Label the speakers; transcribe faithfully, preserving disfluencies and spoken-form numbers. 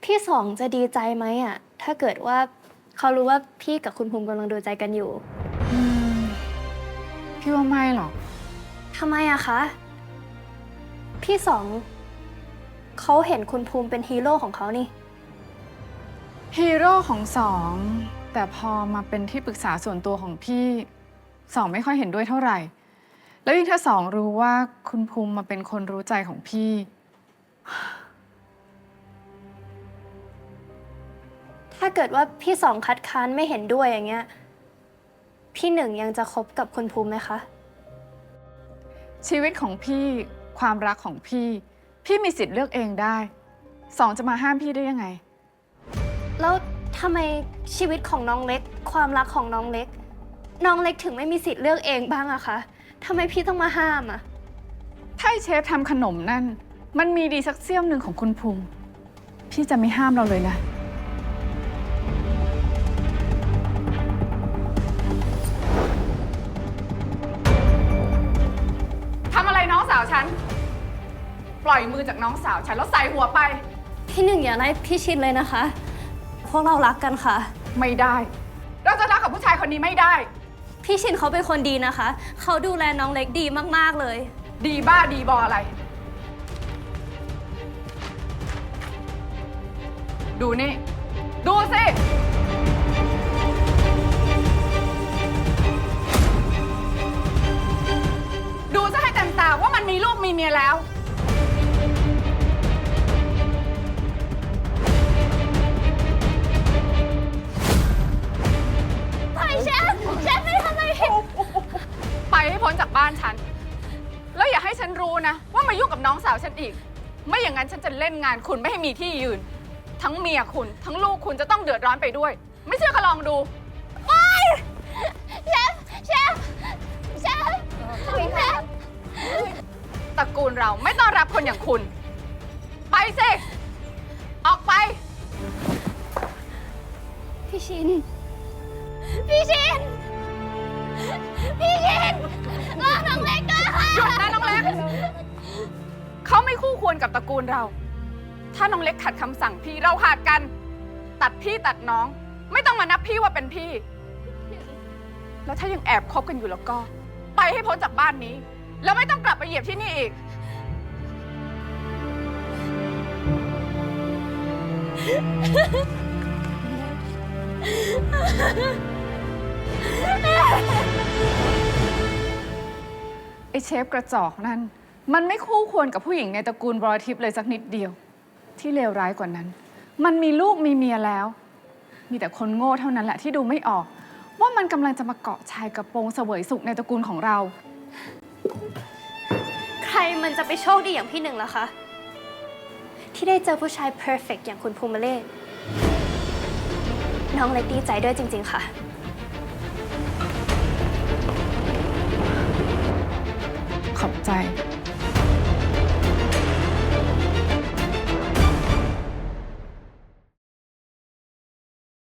Speaker 1: พี่สองจะดีใจไหมอะถ้าเกิดว่าเขารู้ว่าพี่กับคุณภูมิกำลังดูใจกันอยู่
Speaker 2: อืมพี่ว่าไม่หรอก
Speaker 1: ทำไมอะคะพี่สองเขาเห็นคุณภูมิเป็นฮีโร่ของเขานี่
Speaker 2: ฮีโร่ของสอง แต่พอมาเป็นที่ปรึกษาส่วนตัวของพี่สองไม่ค่อยเห็นด้วยเท่าไหร่ แล้วยิ่งถ้าสองรู้ว่าคุณภูมิมาเป็นคนรู้ใจของพี่
Speaker 1: ถ้าเกิดว่าพี่สองคัดค้านไม่เห็นด้วยอย่างเงี้ยพี่หนึ่งยังจะคบกับคุณภูมิไหมคะ
Speaker 2: ชีวิตของพี่ความรักของพี่ พี่มีสิทธิ์เลือกเองได้สองจะมาห้ามพี่ได้ยังไง
Speaker 1: แล้วทำไมชีวิตของน้องเล็กความรักของน้องเล็กน้องเล็กถึงไม่มีสิทธิ์เลือกเองบ้างอะคะทำไมพี่ต้องมาห้ามอะ
Speaker 2: ถ้าเชฟทำขนมนั่นมันมีดีสักเสี้ยวหนึ่งของคุณภูมิพี่จะไม่ห้ามเราเลยนะทำอะไรน้องสาวฉันปล่อยมือจากน้องสาวฉันแล้วใส่หัวไป
Speaker 1: พี่หนึ่งอย่าไล่พี่ชินเลยนะคะพวกเรารักกันค่ะ
Speaker 2: ไม่ได้เราจะรักกับผู้ชายคนนี้ไม่ได้
Speaker 1: พี่ชินเขาเป็นคนดีนะคะเขาดูแลน้องเล็กดีมากๆเลย
Speaker 2: ดีบ้าดีบออะไรดูนี่ดูสิดูซะให้เต็มตาว่ามันมีลูกมีเมียแล้ว
Speaker 1: ไปเชฟเชฟไม่ทำอะไรผิด
Speaker 2: ไปให้พ้นจากบ้านฉันแล้วอย่าให้ฉันรู้นะว่ามายุ่งกับน้องสาวฉันอีกไม่อย่างนั้นฉันจะเล่นงานคุณไม่ให้มีที่ยืนทั้งเมียคุณทั้งลูกคุณจะต้องเดือดร้อนไปด้วยไม่เชื่อก็ลองดู
Speaker 1: ไปเชฟเชฟเชฟเชฟ
Speaker 2: ตระกูลเราไม่ต้อนรับคนอย่างคุณไปสิออกไป
Speaker 1: พี่ชินพี่ชินพี่ชินรอน้องเล็กก่อนค่ะ
Speaker 2: หยุดนะน้องเล็กเขาไม่คู่ควรกับตระกูลเราถ้าน้องเล็กขัดคำสั่งพี่เราขาดกันตัดพี่ตัดน้องไม่ต้องมานับพี่ว่าเป็นพี่แล้วถ้ายังแอบคบกันอยู่แล้วก็ไปให้พ้นจากบ้านนี้แล้วไม่ต้องกลับไปเหยียบที่นี่อีกไอเชฟกระจอกนั่นมันไม่คู่ควรกับผู้หญิงในตระกูลบรอยทิพย์เลยสักนิดเดียวที่เลวร้ายกว่านั้นมันมีลูกมีเมียแล้วมีแต่คนโง่เท่านั้นแหละที่ดูไม่ออกว่ามันกำลังจะมาเกาะชายกระโปรงเสวยสุขในตระกูลของเรา
Speaker 1: ใครมันจะไปโชคดีอย่างพี่หนึ่งล่ะคะที่ได้เจอผู้ชายเพอร์เฟกต์อย่างคุณภูมิเล่น้องเล็กดีใจด้วยจริงๆค่ะ